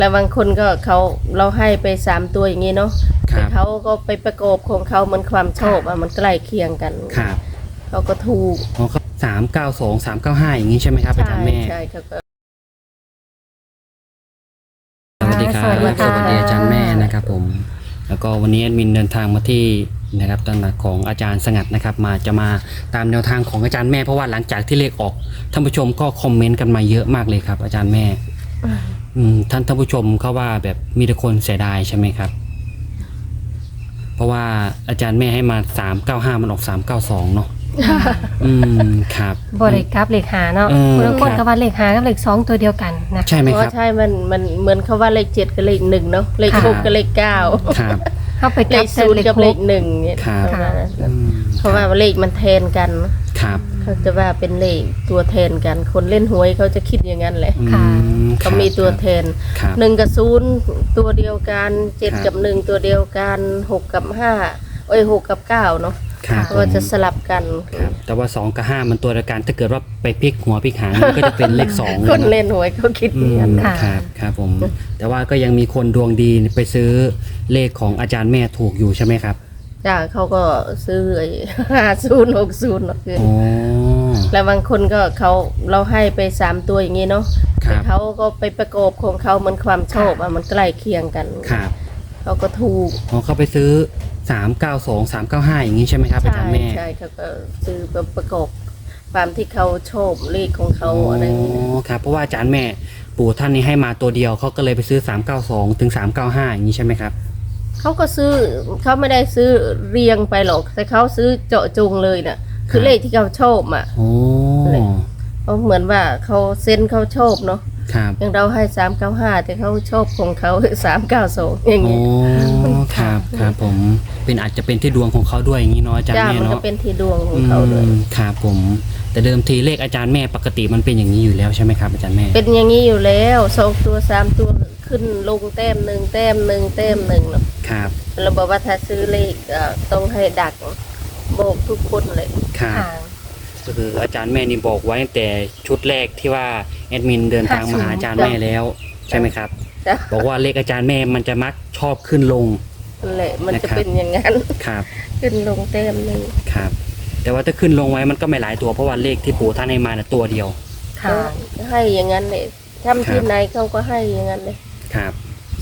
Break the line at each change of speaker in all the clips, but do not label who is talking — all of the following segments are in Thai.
แล้วบางคนก็เราให้ไป3 ตัวอย่างนี้เนาะแต่เขาก็ไปประกอบของเขาเหมือนความชอบมันใกล้เคียงกัน
ครับ
เขาก็ถูก
392 395อย่างนี้ใช่ไหมครับอาจารย์แม่
ใช่ครับ
สวัสดีครับสวัสดีอาจารย์แม่นะครับผมแล้วก็วันนี้แอดมินเดินทางมาที่นะครับตำหนักของอาจารย์สงัดนะครับจะมาตามแนวทางของอาจารย์แม่เพราะว่าหลังจากที่เลขออกท่านผู้ชมก็คอมเมนต์กันมาเยอะมากเลยครับอาจารย์แม่ท่านผู้ชมเขาว่าแบบมีแต่คนเสียดายใช่ไหมครับเพราะว่าอาจารย์แม่ให้มา395มันออก392เนาะครับ
บริกรับเลขหาเนาะบางคนก็ว่าเลขหากับเลข2ตัวเดียวกันนะ
ใช่ไหมครับ
ใช่มันเหมือนเขาว่าเลข7กับเลข1เนาะเลข6กับเลข9
ครับ
เข้าไป
เลข0กับเลข1เนี่ยเพราะว่าเลขมันแทนกัน
ครับ
เขาจะว่าเป็นเลขตัวแทนกันคนเล่นหวยเขาจะคิดอย่างนั้นแหละเขามีตัวแทน1กับ0ตัวเดียวกัน7กับ1ตัวเดียวกัน6กับ5 6กับ9เนาะก็จะสลับกัน
แต่ว่า2กับ5มันตัวเดียวกันถ้าเกิดว่าไปพลิกหัวพลิกหางมันก็จะเป็นเลข2
คนเล่นหวยเขาคิดอย่างนั้น
ครับผมแต่ว่าก็ยังมีคนดวงดีไปซื้อเลขของอาจารย์แม่ถูกอยู่ใช่ไหมครับ
จ้าเขาก็ซื้อ50 60เนาะคือแล้วบางคนก็เราให้ไป3 ตัวอย่างนี้เนาะแต่เขาก็ไปประกอบของเขาเหมือนความชอบมันใกล้เคียงกันเขาก็ถูก
เขาไปซื้อ392 395อย่างนี้ใช่ไหมครับอาจารย์แม่
ใช่เขาก็ซื้อประกอบความที่เขาชอบเลขของเขาอะไรอย่างนี้
ครับเพราะว่าอาจารย์แม่ปู่ท่านนี้ให้มาตัวเดียวเขาก็เลยไปซื้อ392ถึง395อย่างนี้ใช่ไหมครับ
เขาก็ซื้อเขาไม่ได้ซื้อเรียงไปหรอกแต่เขาซื้อเจาะจงเลยน่ะคือเลขที่เขาชอบเขาเหมือนว่าเขาเซ็นเขาชอบเนาะอย่างเราให้395แต่เขาชอบของเขา392อย่างนี้
ครับผมเป็นอาจจะเป็นที่ดวงของเขาด้วยอย่างนี้เนาะอาจารย์แม่เนาะ
เป็นที่ดวงของเขาด้วย
ครับผมแต่เดิมทีเลขอาจารย์แม่ปกติมันเป็นอย่างนี้อยู่แล้วใช่ไหมครับอาจารย์แม่
เป็นอย่างนี้อยู่แล้ว2 ตัว3 ตัวขึ้นลงแต้ม1แต้ม1แต้ม1เนาะ
ครับ
เราบอกว่าถ้าซื้อเลขต้องให้ดักบอกทุกคนเลย
ครับก็คืออาจารย์แม่นี่บอกไว้ตั้งแต่ชุดแรกที่ว่าแอดมินเดินทางมาหาอาจารย์แม่แล้วใช่ไหมครับบอกว่าเลขอาจารย์แม่มันจะมักชอบขึ้นลง
เลยมันจะเป็นอย่างนั้น
ครับ
ขึ้นลงแต้มนึง
ครับแต่ว่าถ้าขึ้นลงไว้มันก็ไม่หลายตัวเพราะว่าเลขที่ปู่ท่านให้มาตัวเดียว
ให้อย่างนั้นเลยทำที่ไหนเขาก็ให้อย่างนั้นเลย
ครับ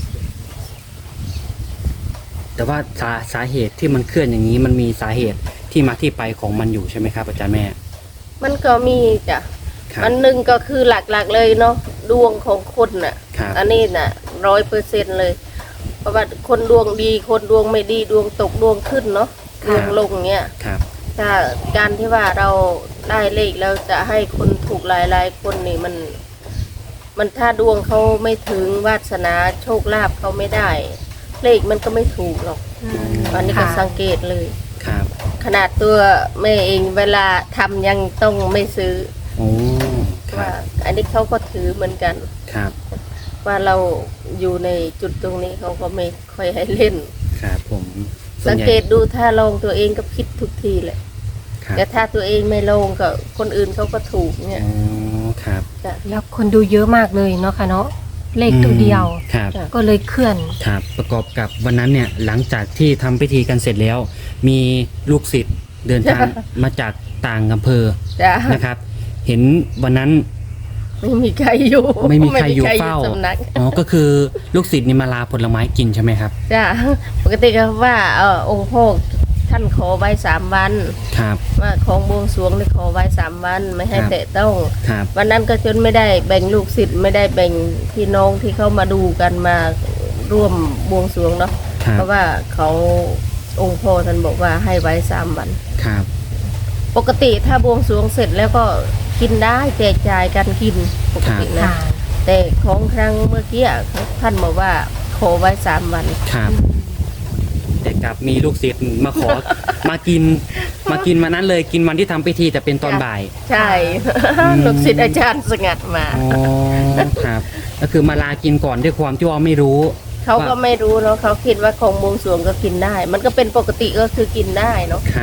แต่ว่าสาเหตุที่มันเคลื่อนอย่างนี้มันมีสาเหตุที่มาที่ไปของมันอยู่ใช่ไหมครับอาจารย์แม่
มันก็มีจ้ะอันหนึ่งก็คือหลักๆเลยเนาะดวงของคนน่ะอันนี้น่ะ100%เลยเพราะว่าคนดวงดีคนดวงไม่ดีดวงตกดวงขึ้นเนาะดวงลงเงี้ยถ้าการที่ว่าเราได้เลขแล้วจะให้คนถูกหลายๆคนนี่มันถ้าดวงเขาไม่ถึงวาสนาโชคลาภเขาไม่ได้เลขมันก็ไม่ถูกหรอกอันนี้ก็สังเกตเลยขนาดตัวแม่เองเวลาทำยังต้องไม่ซื้อว่าอันนี้เขาก็ถือเหมือนกันว่าเราอยู่ในจุดตรงนี้เขาก็ไม่ค่อยให้เล่น
ครับผม
สังเกตดูถ้าลงตัวเองก็ผิดทุกทีแหละแต่ถ้าตัวเองไม่ลงก็คนอื่นเขาก็ถูกเนี่ย
ครับ
แล้วคนดูเยอะมากเลยเนาะค่ะเนาะเลขตัวเดียวก็เลยเคลื่อน
ครับประกอบกับวันนั้นเนี่ยหลังจากที่ทำพิธีกันเสร็จแล้วมีลูกศิษย์เดินทางมาจากต่างอำเภอนะครับเห็นวันนั้น
ไม่มีใครอยู่
เฝ้าก็คือลูกศิษย์นี่มาลาผลไม้กินใช่ไหมครับ
จ้ะปกติก็ว่าองค์พ่อท่านขอไว้3 วันว่าของบวงสรวงได้ขอไว้3 วันไม่ให้แตะต้องวันนั้นก็จนไม่ได้แบ่งลูกศิษย์ไม่ได้แบ่งพี่น้องที่เขามาดูกันมาร่วมบวงสรวงเนาะเพราะว่าเขาองค์พ่อท่านบอกว่าให้ไว้3 วันปกติถ้าบวงสรวงเสร็จแล้วก็กินได้แจกจ่ายกันกินปกตินะแต่ของครั้งเมื่อกี้ท่านบอกว่าขอไว้3 วัน
แต่กลับมีลูกศิษย์มาขอมากินวันนั้นเลยกินวันที่ทำพิธีแต่เป็นตอนบ่าย
ใช่ลูกศิษย์อาจารย์สงัดมา
ครับก็คือมาลากินก่อนด้วยความที่ว่าไม่รู้
เขาก็ไม่รู้เนาะเขาคิดว่าของบวงสรวงก็กินได้มันก็เป็นปกติก็คือกินได้เนาะ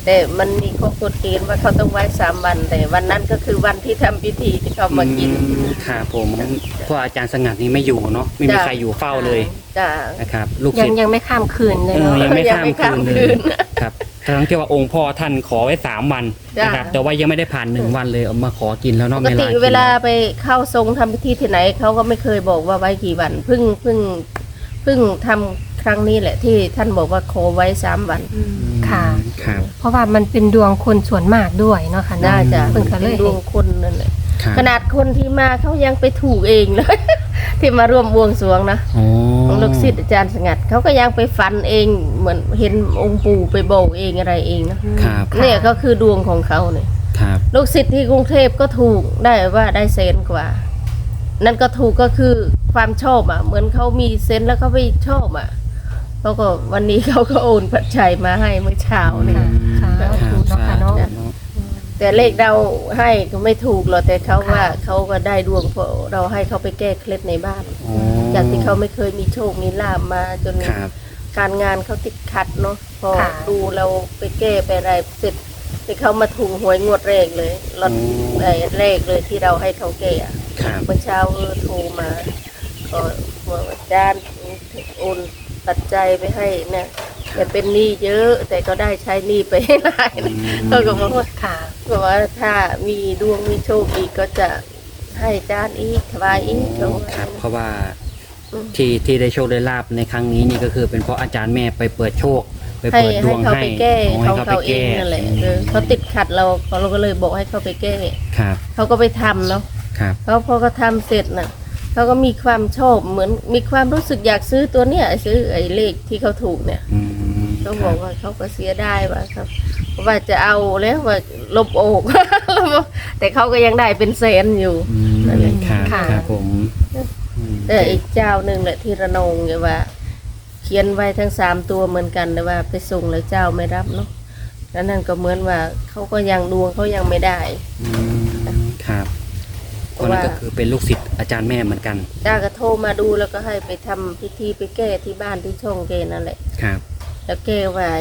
แต่มันมีข้อกฎเกณฑ์ว่าเขาต้องไว้3 วันแต่วันนั้นก็คือวันที่ทำพิธีที่เขามากิน
ครับผมเพราะอาจารย์สงัดนี่ไม่อยู่เนาะไม่มีใครอยู่เฝ้าเลย
จ้า
นะครับลูก
ยั
ศิ
ง
ษย์
ยังไม่ข้ามคืนเลยเนาะ
ยังไม่ข้าม
ยังไม่
คื
ข้าม
น
คื
เลย
น
ครับทั้งที่ว่าองค์พ่อท่านขอไว้3 วัน
จ้ะ
นะครับแต่ว่ายังไม่ได้ผ่าน1 วันเลยเอามาขอกินแล้วเนาะ
ปก
ไม่
ติ
ลากิน
เวลาไปเข้าทรงทำพิธีที่ไหนเขาก็ไม่เคยบอกว่าไว้กี่วันเพิ่งทำครั้งนี้แหละที่ท่านบอกว่าขอไว้3 วัน
ค่ะ
ครับ
เพราะว่ามันเป็นดวงคนส่วนมากด้วยเนาะค่ะ
น่าจะ
เพิ่งก็เล
เป็น
ย
ดวงคนนั่นแหละ
ครับ
ขนาดคนที่มาเขายังไปถูกเองเลย ที่มาร่วมบวงสรวงนะ
โอ้
ของลูกศิษย์อาจารย์สงัดเขาก็ยังไปฝันเองเหมือนเห็นองค์ปู่ไปบอกเองอะไรเองนะครับ เนี่ยก็คือดวงของเขาเนี่ย
ครับ
ลูกศิษย์ที่กรุงเทพก็ถูกได้ว่าได้เซนกว่า นั่นก็ถูกก็คือความชอบอ่ะ เหมือนเขามีเซนแล้วเขาไปชอบอ่ะเขาก็วันนี้เขาก็โอนปัจจัยมาให้เมื่อเช้าเนี่ย
ค่ะ
ครับ
ถูกเนาะค่ะเนาะ
สาธุ
แต่เลขเราให้ก็ไม่ถูกหรอกแต่เขาว่า
ค่ะ
เขาก็ได้ดวงเพราะเราให้เขาไปแก้เคล็ดในบ้าน
โอ้
จากที่เขาไม่เคยมีโชคมีลาบมาจน
ครับ
การงานเขาติดขัดเนาะพอ
ค่ะ
ดูเราไปแก้ไปอะไรเสร็จที่เขามาถูกหวยงวดแรกเลยรถแรกเลยที่เราให้เขาแก้อะ
ครับ
เมื่อเช้าโทรมาก็บอกว่าอาจารย์โอนปัจจัยไปให้นะแต่เป็นหนี้เยอะแต่ก็ได้ใช้หนี้ไปให้หลายนะเขาก็บอกว่า
ค่ะ
บอกว่าถ้ามีดวงมีโชคอีกก็จะให้อาจารย์อีกถวายอีกเขาว่า
ครับเพราะว่า
อืม
ที่ได้โชคได้ลาบในครั้งนี้นี่ก็คือเป็นเพราะอาจารย์แม่ไปเปิดโชค ไป
ให้
เปิดดวง
เขา
ให้
ไปแก้
อ๋อให้
เขาเองนั่นแหละเขาติดขัดเราก็เลยบอกให้เขาไปแก้
ครับ
เขาก็ไปทำเนาะ
ครับ
เขาพอเขาทำเสร็จน่ะเขาก็มีความชอบเหมือนมีความรู้สึกอยากซื้อตัวเนี้ยซื้อไอ้เลขที่เขาถูกเนี่ย
อืม
เขาบอกว่าเขาก็เสียได้ว่าครับว่าจะเอาแล้วว่าลบอก แต่เขาก็ยังได้เป็นแสนอยู่
อืม
นั่นแหละ
ครับ
ค่ะ
ครับผมอืม
แต่อีกเจ้าหนึ่งแหละที่ระนองเนี่ยว่า เขียนไว้ทั้ง3 ตัวเหมือนกันแต่ว่าไปส่งแล้วเจ้าไม่รับเนาะแล้วนั่นก็เหมือนว่าเขาก็ยังดวงเขายังไม่ได้
อืมครับ
เพ
คน
ราะว่า
นั้นก็คือเป็นลูกศิษย์อาจารย์แม่เหมือนกัน
จ้าก็โทรมาดูแล้วก็ให้ไปทำพิธีไปแก้ที่บ้านที่ช่องเกนั่นแหละ
ครับ
แล้วแก้ไว้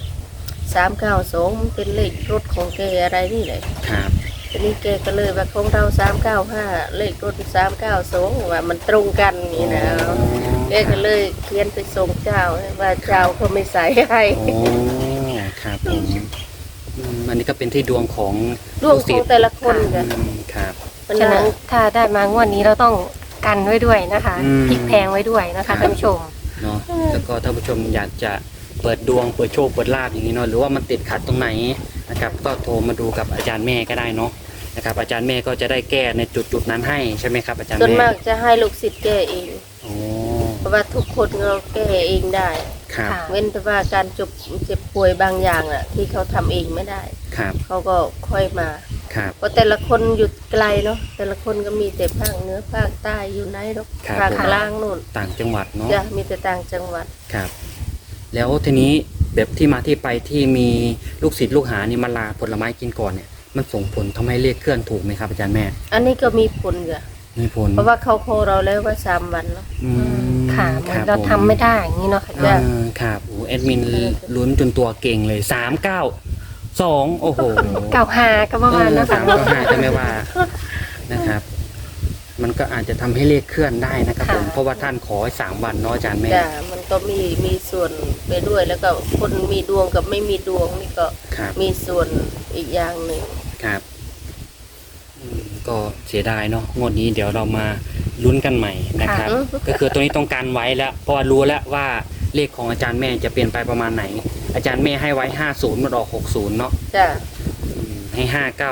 392เป็นเลขรถของแกอะไรนี่แหละ
ครับ
ทีนี้แกก็เลยว่าของเรา395เลขรถ392ว่ามันตรงกันนี่นะแกก็เลยเขียนไปส่งเจ้าว่าเจ้าเขาไม่ใส่ให้
โอ้ครับผมอันนี้ก็เป็นที่ดวงของ
ดวง
ลูก
ข
ศิ
อง
ษย์
แต่ละคนจ้ะ
อืมครับ
มัน
ฉะ
นะ
นั้นถ้าได้มางวดนี้เราต้องกันไว้ด้วยนะคะ
อืม
พลิกแพงไว้ด้วยนะคะท่านผู้ชม
เนาะแล้วก็ถ้าผู้ชมอยากจะเปิดดวงเปิดโชคเปิดลาบอย่างนี้เนาะหรือว่ามันติดขัดตรงไหนนะครับก็โทรมาดูกับอาจารย์แม่ก็ได้เนาะนะครับอาจารย์แม่ก็จะได้แก้ในจุดนั้นให้ใช่ไหมครับอาจารย์
ส่วน
แม่
มากจะให้ลูกศิษย์แก้เอง
โอ้
เพราะว่าทุกคนเราแก้เองได้
ครับ
ค่ะ
เว้นแต่ว่าการเจ็บป่วยบางอย่างน่ะ ที่เขาทำเองไม่ได้
ครับ
เขาก็ค่อยมา
ครับ
เพราะแต่ละคนอยู่ไกลเนาะแต่ละคนก็มีแต่ภาคเหนือภาคใต้อยู่ไหนหรอกภาคกลางนู่น
ต่างจังหวัดเนาะ
จะมีแต่ต่างจังหวัด
ครับ แล้วทีนี้แบบที่มาที่ไปที่มีลูกศิษย์ลูกหานี่มาลาผลไม้กินก่อนเนี่ยมันส่งผลทำให้เลขเคลื่อนถูกไหมครับอาจารย์แม่
อันนี้ก็มีผลจ้ะ
มีผล
เพราะว่าเขาโคเราแล้วว่า3 วันเนาะ
อืม
ค่ะเหมื
ค
อน
บ
เรา
ผ
ทำไม่ได้อย่างนี้เนาะค่ะ
จ้ะ
ครับโอ้แอดมินลุ้นจนตัวเก่งเลย392โอ้โห
เก่าหาก็ประมาณนะ
สา
คะ
มก็ห้าก็ไม่ว่านะครับ มันก็อาจจะทำให้เลขเคลื่อนได้นะครับผมเพราะว่าท่านขอให้3 วันเนาะอาจารย์แม่
จ้ะมันก็มีส่วนไปด้วยแล้วก็คนมีดวงกับไม่มีดวงนี่ก็
ครับ
มีส่วนอีกอย่างหนึ่ง
ครับก็เสียดายเนาะงวดนี้เดี๋ยวเรามาลุ้นกันใหม่นะครับ ก็คือตัวนี้ต้องการไว้แล้วเพราะว่ารู้แล้วว่าเลขของอาจารย์แม่จะเปลี่ยนไปประมาณไหน อาจารย์แม่ให้ไว้50มันออก60เนาะ
จ้ะ
ให้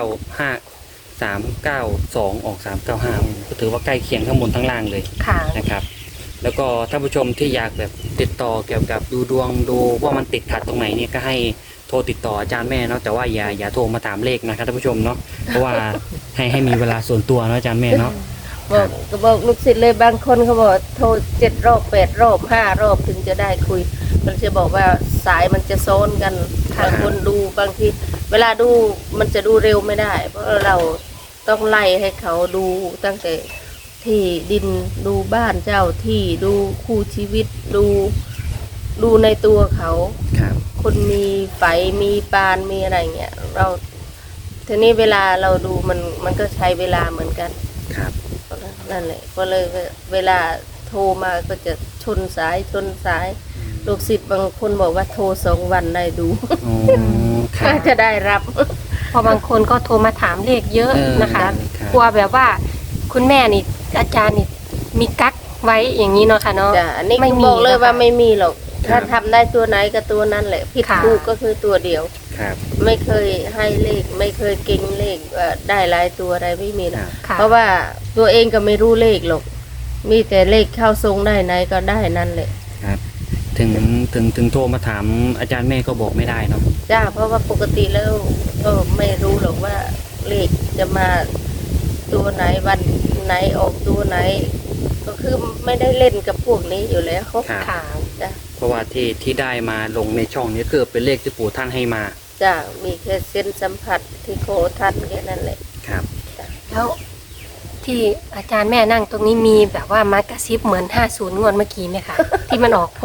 59392ออก395ก็ถือว่าใกล้เคียงทั้งบนทั้งล่างเลย
ค่ะ
นะครับ แล้วก็ท่านผู้ชมที่อยากแบบติดต่อเกี่ยวกับดูดวงดูว่ามันติดขัดตรงไหนเนี่ยก็ให้โทรติดต่ออาจารย์แม่เนาะแต่ว่าอย่าโทรมาถามเลขนะครับท่านผู้ชมเนาะเพราะว่าให้มีเวลาส่วนตัวเนาะอาจารย์แม่เนาะ
บอกก็บอกลูกศิษย์เลยบางคนเขาบอกโทร7 รอบ8 รอบ5 รอบถึงจะได้คุยมันจะบอกว่าสายมันจะโซนกัน
ค่ะ
บางคนดูบางทีเวลาดูมันจะดูเร็วไม่ได้ เพราะเราต้องไล่ให้เขาดูตั้งแต่ที่ดินดูบ้านเจ้าที่ดูคู่ชีวิตดูในตัวเขา
ครับ
คนมีไฝมีปานมีอะไรเงี้ยเราทีนี้เวลาเราดูมันก็ใช้เวลาเหมือนกัน
ครับ
นั่นแหละก็เลยเวลาโทรมาก็จะชนสายลูกศิษย์บางคนบอกว่าโทร2 วันได้ดู
อ๋อครั
ก็
บ
จะได้รับ
เพอบางคนก็โทรมาถามเลขเยอะนะคะ
ครับ
กลัวแบบว่าคุณแม่นี่อาจารย์นี่มีกั๊กไว้อย่างนี้เนาะค่ะเนาะ
จ้ะอันนี้
ไม่
ก็
มี
บอกเลย
นะคะ
ว่าไม่มีหรอก
ครั
ถ้า
บ
ทำได้ตัวไหนก็ตัวนั้นแหละผิด
ค่ะ
ถูกก็คือตัวเดียว
ครับ
ไม่เคยให้เลขไม่เคยเก่งเลขได้หลายตัวอะไรไม่มี
ค
นะ
รับ
ค่ะ
เพราะว่าตัวเองก็ไม่รู้เลขหรอกมีแต่เลขเข้าทรงได้ไหนก็ได้นั่นแหละ
ครับถึงโทรมาถามอาจารย์แม่ก็บอกไม่ได้เนาะ
จ้าเพราะว่าปกติแล้วก็ไม่รู้หรอกว่าเลขจะมาตัวไหนวันไหนออกตัวไหน ก็คือไม่ได้เล่นกับพวกนี้อยู่แล้ว
ครับ
ค่ะ
จ้า
เพราะว่าที่ได้มาลงในช่องนี้คือเป็นเลขที่ปู่ท่านให้มา
จ้ามีแค่เส้นสัมผัสที่โคทันแค่นั้นแหละ
ครับ
แล้วที่อาจารย์แม่นั่งตรงนี้มีแบบว่ามากระซิบเหมือน50งวดเมื่อกี้ไหมคะ ที่มันออก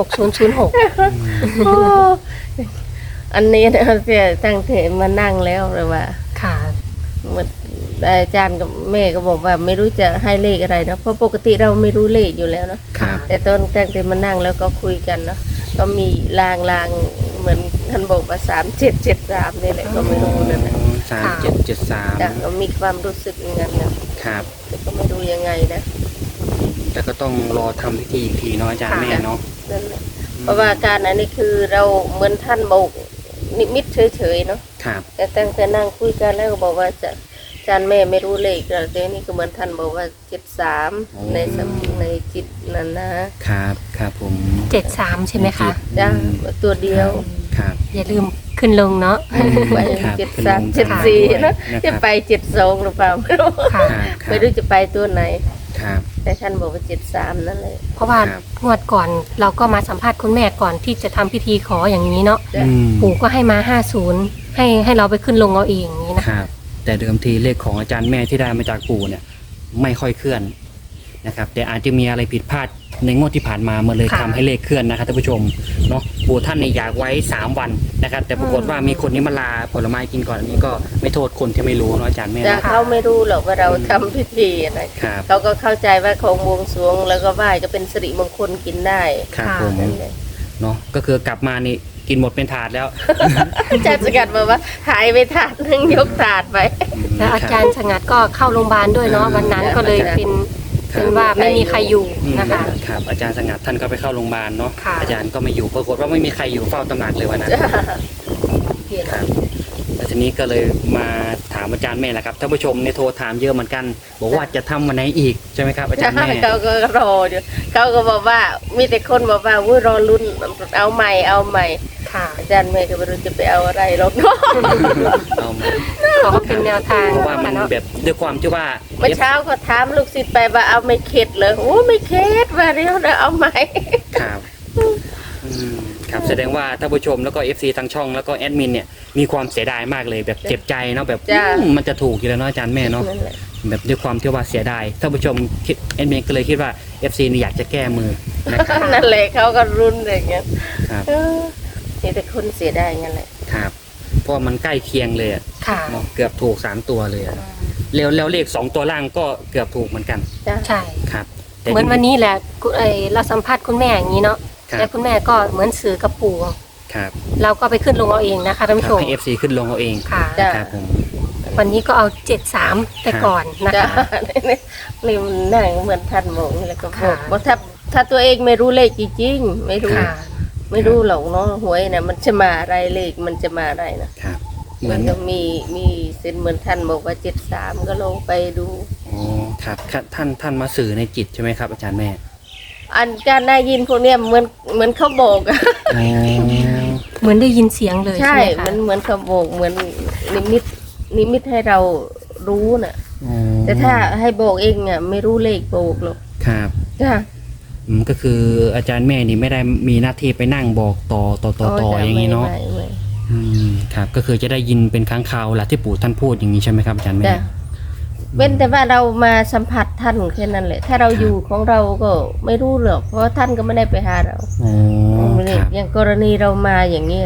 6006
อันนี้เนี่ยเสียตั้งแต่มานั่งแล้วเลยว่า
ค่ะ
เหมือนอาจารย์กับแม่ก็บอกว่าไม่รู้จะให้เลขอะไรนะเพราะปกติเราไม่รู้เลขอยู่แล้วเนาะ
ครับ
แต่ตอนตั้งแต่มานั่งแล้วก็คุยกันเนาะก็มีลางเหมือนท่านบอกว่า3773นี่แหละก็ไม่รู้นั่นแหละ
3773
จ้ะก็มีความรู้สึกอย่างนั้นนะครับ แต่ก็ไม่รู้ยังไงนะ
แล้วก็ต้องรอทำพิธีอีกทีเนาะอาจารย์แม่เนาะ
นั่นแหละเพราะว่าการอันนี้คือเราเหมือนท่านบอกนิมิตเฉยๆเนาะ
ครับ
แต่ตั้งแต่นั่งคุยกันแล้วก็บอกว่าจะอาจารย์แม่ไม่รู้เลขแล้วแต่นี่ก็เหมือนท่านบอกว่า73ในสมในจิตนั่นนะครับ
ครับผม
73ใช่ไหมคะ
จ้าตัวเดียว
ครับ
อย่าลืมขึ้นลงเนาะ
ไป
ครับ
73 74นะจะไป72หรือเปล่าไม่รู้
ค่ะ
ครับ
ไม่รู้จะไปตัวไหน
ครับ
แต่ท่านบอกว่า73นั่นเลย
เพราะว่า
ครับ
งวดก่อนเราก็มาสัมภาษณ์คุณแม่ก่อนที่จะทำพิธีขออย่างนี้เนาะ
จ้ะ
ปู่ก็ให้มา50ให้เราไปขึ้นลงเอาเองอย่างนี้นะครับ
แต่เดิมทีเลขของอาจารย์แม่ที่ได้มาจากปู่เนี่ยไม่ค่อยเคลื่อนนะครับ แต่อาจจะมีอะไรผิดพลาดในงวดที่ผ่านมามันเลยทำให้เลขเคลื่อนนะครับท่านผู้ชมเนาะปู่ท่านเนี่ยอยากไว้3 วันนะครับ แต่ปรากฏว่ามีคนนี้มาลาผลไม้กินก่อนอันนี้ก็ไม่โทษคนที่ไม่รู้เนาะอาจารย์แม่
จ้ะ
เนาะ
เขาไม่รู้หรอกว่าเราทำพิธีอะไร
ครับ
เขาก็เข้าใจว่าของบวงสรวงแล้วก็ไหว้ก็เป็นสิริมงคลกินได้
ครับผม
นั่นแหละ
เนาะก็คือกลับมานี่กินหมดเป็นถาดแล้ว
อาจารย์สกัดบอกว่าหายไปถาดนึงยกถาดไป
แล้วอาจารย์สงัดก็เข้าโรงพยาบาลด้วยเนาะวันนั้นก็เลยเป็นว่าไม่มีใครอยู่นะคะ
ครับอาจารย์สงัดท่านก็ไปเข้าโรงพยาบาลเนาะ
ค่ะ
อาจารย์ก็ไม่อยู่ปรากฏว่าไม่มีใครอยู่เฝ้าตำหนักเลยวันนั้น
จ้ะเพียง
ครับแล้วทีนี้ก็เลยมาถามอาจารย์แม่แหละครับท่านผู้ชมในโทรถามเยอะเหมือนกัน บอกว่าจะทำวันไหนอีกใช่ไหมครับอาจารย์แม่
เขาก็รออยู่เขาก็บอกว่ามีแต่คนบอกว่าวุ้ยรอลุ้นเอาใหม่เอาใหม่
ค่ะ
อาจารย์แม่ก็ไม่รู้จะไปเอาอะไรหรอกเนาะ
เอามา
ขอเป็นแนวทาง
เพราะว่ามัน
เนาะ
แบบด้วยความที่ว่า
เมื่อเช้าก็ถามลูกศิษย์ไปว่าเอาไม่เข็ดเลยโอ้ไม่เข็ดว่าเดี๋ยวเอาใหม่
ครับครับแสดงว่าท่านผู้ชมแล้วก็ FC ทางช่องแล้วก็แอดมินเนี่ยมีความเสียดายมากเลยแบบเจ็บใจเนาะแบบมันจะถูกอยู่แล้วเนาะอาจารย์แม่เนาะ
นั่นแหละ
แบบด้วยความที่ว่าเสียดายท่านผู้ชมคิดแอดมินก็เลยคิดว่า FC นี่อยากจะแก้มือนะครับ
นั่นแหละเขาก็รุนอย่างเงี้ย
ครับ
นี่แต่คนเสียดายงั้นแหละ
ครับเพราะมันใกล้เคียงเลยอะ
ค่ะ
เนาะเกือบถูก3 ตัวเลยอะแล้วเลข2 ตัวล่างก็เกือบถูกเหมือนกัน
จ้ะ
ใช่
ครับ
เหมือนวันนี้แหละเราสัมภาษณ์คุณแม่อย่างนี้เนาะ
ครับ
แล้วคุณแม่ก็เหมือนสื่อกับปู่
ครับ
เราก็ไปขึ้นลงเอาเองนะคะท่านผู้ชม
ให้ FC ขึ้นลงเอาเอง
ค่ะ
จ้ะ
ครับผม
วันนี้ก็เอา73ไปก่อนนะ
จ้ะ
คะ
นี่มันนั่งเหมือนท่านบอกนี่แหละก็บอก
ค่ะ
ว่าถ้าตัวเองไม่รู้เลขจริงๆไม่รู้
ค่ะ
ไม่รู้หรอกเนาะหวยนะมันจะมาอะไรเลขมันจะมาอะไรนะครับ
เหมื
มั
อน
นก็มีเส้นเหมือนท่านบอกว่า73ก็ลงไปดู
อ๋อครับท่านมาสื่อในจิตใช่ไหมครับอาจารย์แม่
อันการได้ยินพวกเนี้ยเหมือนเขาบอกอะ
อ๋อ
เหมือนได้ยินเสียงเลย
ใช่
ใช่ไหมคะ
มันเหมือนเขาบอกเหมือนนิมิตให้เรารู้น่ะ
อ๋อ
แต่ถ้าให้บอกเองอ่ะไม่รู้เลขบอกหรอก
ครับ
จ้ะ
ก็คืออาจารย์แม่นี่ไม่ได้มีหน้าที่ไปนั่งบอกต่ออย่างนี้เนาะ
ไม่
ครับก็คือจะได้ยินเป็นครั้งคราวแหละที่ปู่ท่านพูดอย่างนี้ใช่ไหมครับอาจารย์แม่
จ้ะเว้นแต่ว่าเรามาสัมผัสท่านแค่นั้นแหละ ถ้าเราอยู่ของเราก็ไม่รู้หรอกเพราะว่าท่านก็ไม่ได้ไปหาเรา
อ๋อครับ
อย่างกรณีเรามาอย่างเงี้ย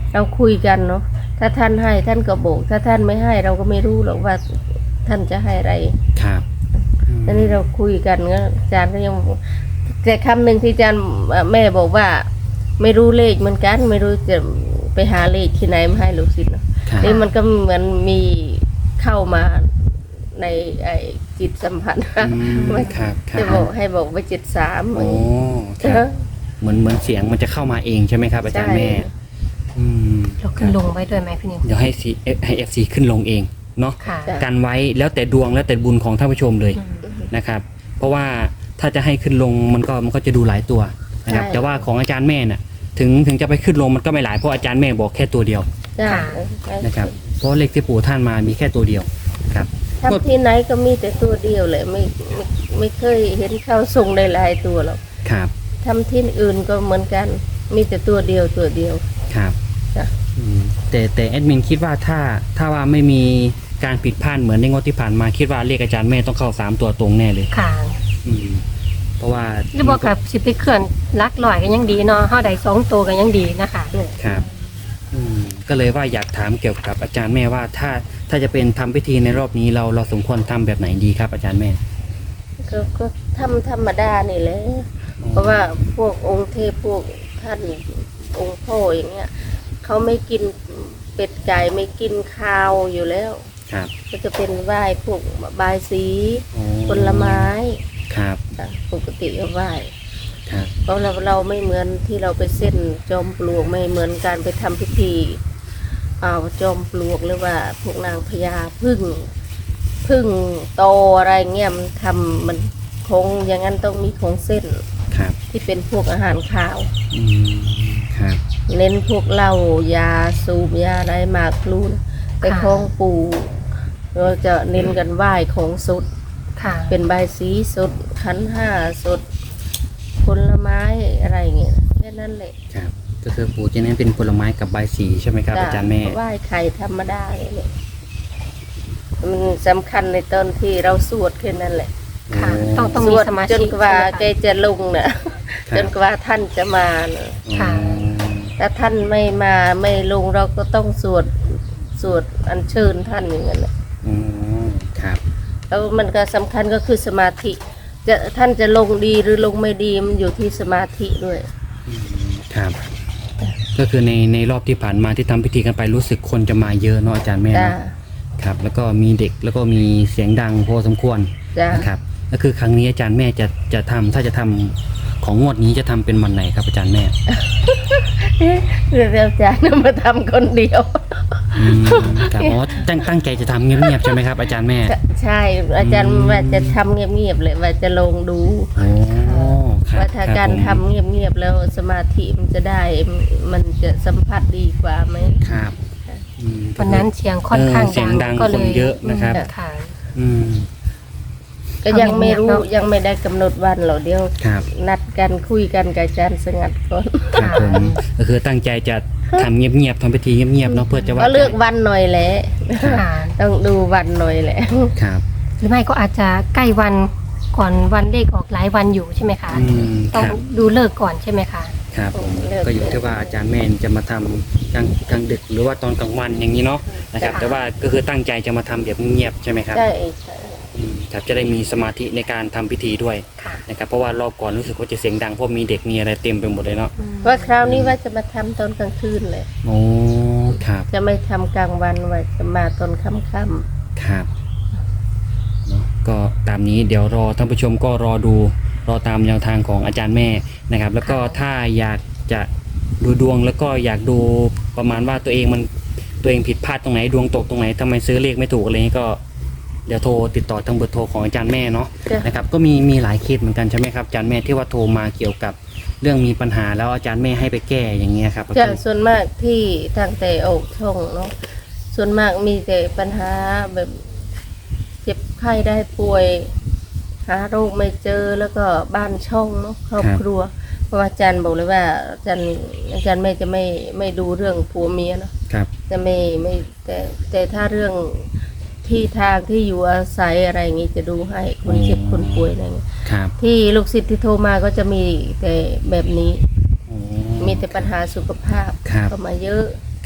เราคุยกันเนาะถ้าท่านให้ท่านก็บอกถ้าท่านไม่ให้เราก็ไม่รู้หรอกว่าท่านจะให้อะไร
ครับอืม
ทีนี้เราคุยกันก็อาจารย์ก็ยังแต่คำหนึ่งที่อาจารย์แม่บอกว่า ไม่รู้เลขเหมือนกัน ไม่รู้จะไปหาเลขที่ไหนมาให้ลูกศิษย์เนาะ
ครับ
นี่มันก็เหมือนมีเข้ามาในไอ้จิตสัมผัส
อืมครับครั
จะ
บ
บอกให้บอกไป73
โอ้ครับเหมือนเสียงมันจะเข้ามาเองใช่ไหมครับอาจารย์แม่อืม
เราขึ้นลงไว้ด้วยไหมพี่นิว
เดี๋ยวให้ FC ขึ้นลงเองเนาะ
ค่ะ
กันไว้แล้วแต่ดวงแล้วแต่บุญของท่านผู้ชมเลย
อืม
นะครับ เพราะว่าถ้าจะให้ขึ้นลงมันก็จะดูหลายตัวนะครับแต่ว่าของอาจารย์แม่น่ะถึงจะไปขึ้นลงมันก็ไม่หลายเพราะอาจารย์แม่บอกแค่ตัวเดียว
จ้า
นะครับเพราะเลขที่ปู่ท่านมามีแค่ตัวเดียวครับ
ทำที่ไหนก็มีแต่ตัวเดียวเลยไม่เคยเห็นเขาส่งหลายๆตัวหรอก
ครับ
ทำที่อื่นก็เหมือนกัน มีแต่ตัวเดียวตัวเดียว
ครับ
จ้ะ
อืมแต่แอดมินคิดว่าถ้าว่าไม่มีการผิดพลาดเหมือนในงวดที่ผ่านมาคิดว่าเลขอาจารย์แม่ต้องเข้า3ตัวตรงแน่เลย
ค่ะ
อืมเพราะว่า
หรือบอกกับสิไปเคลื่อนลักลอยกันยังดีเนาะเฮาได้2ตัวกันยังดีนะคะ
ครับก็เลยว่าอยากถามเกี่ยวกับอาจารย์แม่ว่าถ้าจะเป็นทำพิธีในรอบนี้เราสมควรทำแบบไหนดีครับอาจารย์แม่
ก็ทำธรรมดานี่แหละเพราะว่าพวกองค์เทพพวกท่านองค์พ่ออย่างเงี้ยเขาไม่กินเป็ดไก่ไม่กินข้าวอยู่แล้ว
ครับ
ก็จะเป็นไหว้พวกบายสี
อ๋อ
ผลไม้
ครับ
จ้ะปกติก็ไหว้
ครับ
เพราะเราไม่เหมือนที่เราไปเส้นจอมปลวกไม่เหมือนการไปทำพิธีเอาจอมปลวกหรือว่าพวกนางพญาพึ่งโตอะไรเงี้ยมันทำมันคงอย่างนั้นต้องมีของเส้น
ครับ
ที่เป็นพวกอาหารข้าว
อืมครับ
เน้นพวกเหล้ายาสูบยาอะไรหมากพลูนะไปคล้องปูเราจะเน้นกันไหว้ของสด
ค่ะ
เป็นใบายสีสดขันห้าสดผลไม้อะไรเงี้ยแค่นั้นแหละ
ครับก็คือปู่จะเน้นเป็นผลไม้กับใบสีใช่ไหมครับอาจารย์แม่
ไหว้ไข่ธรรมดาเลยมันสำคัญในตอนที่เราสวดแค่นั้นแหละ
ค่ะ
โอ้
ต้อง
ส
มี
วด
สมา
จ
ธิ
นกว่า
ใช่ไหม
แก
คะ
จะลงน่ะ
ครับ
จนกว่าท่านจะมาน่ะ
ค่ะ
ถ้าท่านไม่มาไม่ลงเราก็ต้องสวดอัญเชิญท่านอย่างนั้นแหละ
อืมครับ
แล้วมันก็สำคัญก็คือสมาธิท่านจะลงดีหรือลงไม่ดีมันอยู่ที่สมาธิด้วย
ครับ ก็คือในรอบที่ผ่านมาที่ทำพิธีกันไปรู้สึกคนจะมาเยอะเนาะอาจารย์แม่
จ้า
เนาะครับ แล้วก็มีเด็กแล้วก็มีเสียงดังพอสมควร
จ้า
นะครับก็คือครั้งนี้อาจารย์แม่จะทำถ้าจะทำของงวดนี้จะทำเป็นวันไหนครับอาจารย์แม่
เรื่องอาจารย์มาทำคนเดียว
อืมครับอ๋อตั้งใจจะทำเงียบๆใช่ไหมครับอาจารย์แม่
ใช่อาจารย์ว่าจะทำเงียบๆเลยว่าจะลงดู
โอ้ครับ
ว่าถ้า
คบ
การ
ผม
ทำเงียบๆแล้วสมาธิมันจะได้มันจะสัมผัสดีกว่าไหม
ครับอืม
วันนั้นเสียงค่อนข้าง
เสียงดัง
ก็เล
คนเยอะนะครับ
ค่ะ
อืม
ก็ยังไม่รู้
ทำเงียบๆเนอะ
ยังไม่ได้กำหนดวันหรอกเดี๋ยว
ครับ
นัดกันคุยกันกับอาจารย์สงัดก่อน
ครับผมก็คือตั้งใจจะทำเงียบๆทำพิธีเงียบๆเนาะเพื่อจะว่า
ก็เลือกวันหน่อยแหละ
ค่ะ
ต้องดูวันหน่อยแหละ
ครับ
หรือไม่ก็อาจจะใกล้วันก่อนวันเลขออกหลายวันอยู่ใช่ไหมคะ
อืมค
ต้อง
รับ
ดูเลิกก่อนใช่ไหมคะ
ครับผมก็อยู่ที่ว่าอาจารย์แม่จะมาทำกลางดึกหรือว่าตอนกลางวันอย่างนี้เนาะนะครับ
ค่ะ
แต่ว่าก็คือตั้งใจจะมาทำแบบเงียบๆใช่ไหมครับ
ใช่ใช่
ครับจะได้มีสมาธิในการทำพิธีด้วย
ค่ะ
นะครับเพราะว่ารอบก่อนรู้สึกว่าจะเสียงดังเพราะมีเด็กมีอะไรเต็มไปหมดเลยเนาะ
ว่าคราวนี้ว่าจะมาทำตอนกลางคืนเลย
โอ้ครับ
จะไม่ทำกลางวันว่าจะมาตอนค่ำ
ครับเนาะก็ตามนี้เดี๋ยวรอท่านผู้ชมก็รอตามแนวทางของอาจารย์แม่นะครับ แล้วก็ถ้าอยากจะดูดวงแล้วก็อยากดูประมาณว่าตัวเองผิดพลาดตรงไหนดวงตกตรงไหนทำไมซื้อเลขไม่ถูกอะไรนี้ก็เดี๋ยวโทรติดต่อทางเบอร์โทรของอาจารย์แม่เนาะ
ๆจ้ะ
นะครับก็มีหลายเคสเหมือนกันใช่ไหมครับอาจารย์แม่ที่ว่าโทรมาเกี่ยวกับเรื่องมีปัญหาแล้วอาจารย์แม่ให้ไปแก้อย่างเงี้ยครับ
จะส่วนมากที่ทางแต่ออกช่องเนาะส่วนมากมีแต่ปัญหาแบบเจ็บไข้ได้ป่วย หาโรคไม่เจอแล้วก็บ้านช่องเนาะครอบครัว เพราะว่าอาจารย์บอกเลยว่าอาจารย์แม่จะไม่ดูเรื่องผัวเมียเนาะ
ครับ
จะไม่แต่ถ้าเรื่องที่ทางที่อยู่อาศัยอะไรอย่างงี้จะดูให้คนเจ็บคนป่วยอะไรอย่างงี้
ครับ
ที่ลูกศิษย์ที่โทรมาก็จะมีแต่แบบนี้
โอ้
มีแต่ปัญหาสุขภาพ
ครับ
เข้ามาเยอะ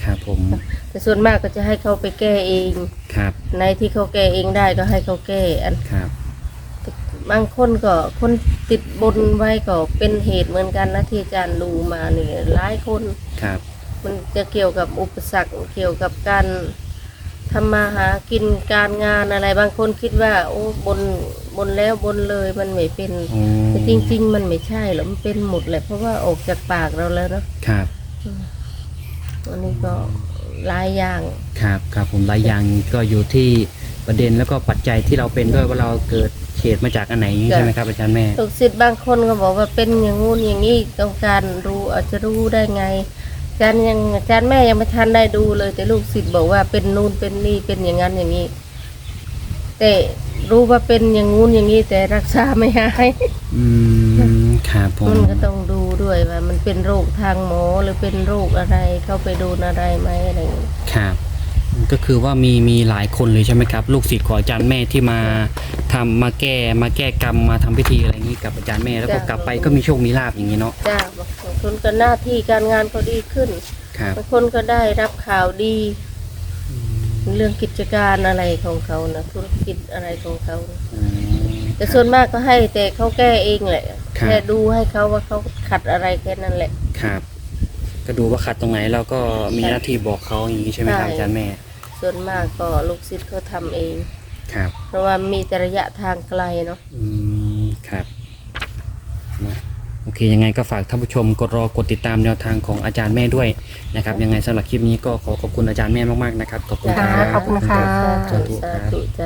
ครับผม
แต่ส่วนมากก็จะให้เขาไปแก้เอง
ครับ
ในที่เขาแก้เองได้ก็ให้เขาแก้
ครับ
บางคนก็คนติดบนไว้ก็เป็นเหตุเหมือนกันนะที่อาจารย์ดูมานี่หลายคน
ครับ
มันจะเกี่ยวกับอุปสรรคเกี่ยวกับการทำมาหากินการงานอะไรบางคนคิดว่าโอ้บนแล้วบนเลยมันไม่เป็น
โอ้
แต่จริง ๆ มันไม่ใช่หรอกมันเป็นหมดแหละเพราะว่าออกจากปากเราแล้วเนาะ
ครับ
วันนี้ก็หลายอย่าง
ครับครับผมหลายอย่างก็อยู่ที่ประเด็นแล้วก็ปัจจัยที่เราเป็นด้วยว่าเราเกิดเหตุมาจากอันไหนใช่ไหมครับอาจารย์แม่
ลูกศิษย์บางคนก็บอกว่าเป็นอย่างงู้นอย่างนี้ต้องการรู้อาจจะรู้ได้ไงอาจารย์แม่ยังไม่ทันได้ดูเลย แต่ลูกศิษย์บอกว่าเป็นนู่นเป็นนี่เป็นอย่างนั้นอย่างนี้แต่รู้ว่าเป็นอย่างงู้นอย่างนี้แต่รักษาไม่หาย
ครับผม
มันก็ต้องดูด้วยว่ามันเป็นโรคทางหมอหรือเป็นโรคอะไรเข้าไปโดนอะไรไหมอะไรอย่างนี้
ครับก็คือว่ามีหลายคนเลยใช่ไหมครับลูกศิษย์ของอาจารย์แม่ที่มาทำมาแก้กรรมมาทำพิธีอะไรอย่างนี้กับอาจารย์แม่แล้วก็กลับไปก็มีโชคมีลาภอย่างนี้เนาะ
จ้าบางคนก็หน้าที่การงานก็ดีขึ้น
ครับ
บางคนก็ได้รับข่าวดี เรื่องกิจการอะไรของเขานะธุรกิจอะไรของเขานะ
อืม
แต่ส่วนมากก็ให้แต่เขาแก้เองแหละ
ครับ
แค่ดูให้เขาว่าเขาขัดอะไรแค่นั้นแหละ
ครับก็ดูว่าขัดตรงไหนแล้วก็มีหน้าที่บอกเขาอย่างนี้ใช่ไหมครับ
ใช่
อาจารย์แม่
ส่วนมากก็ลูกศิษย์เขาทำเอง
ครับ
เพราะว่ามีแต่ระยะทางไกลเนาะ
ครับนะโอเคยังไงก็ฝากท่านผู้ชมกดติดตามแนวทางของอาจารย์แม่ด้วยนะครับยังไงสำหรับคลิปนี้ก็ขอขอบคุณอาจารย์แม่มากๆนะครับขอบคุณครับ
ขอบคุณค่ะ
สาธุ
สา
ครับ
ธุจ้า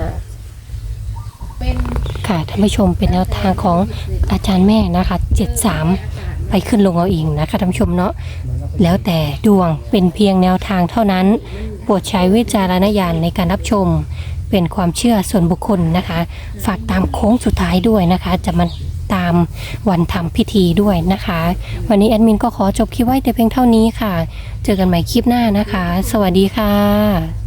ค่ะท่านผู้ชมเป็นแนวทางของอาจารย์แม่นะคะ73ไปขึ้นลงเอาเองนะคะท่านผู้ชมเนาะแล้วแต่ดวงเป็นเพียงแนวทางเท่านั้นโปรดใช้วิจารณญาณในการรับชมเป็นความเชื่อส่วนบุคคลนะคะ ฝากตามโค้งสุดท้ายด้วยนะคะ จะมาตามวันทำพิธีด้วยนะคะ วันนี้แอดมินก็ขอจบคลิปไว้แต่เพียงเท่านี้ค่ะ เจอกันใหม่คลิปหน้านะคะ สวัสดีค่ะ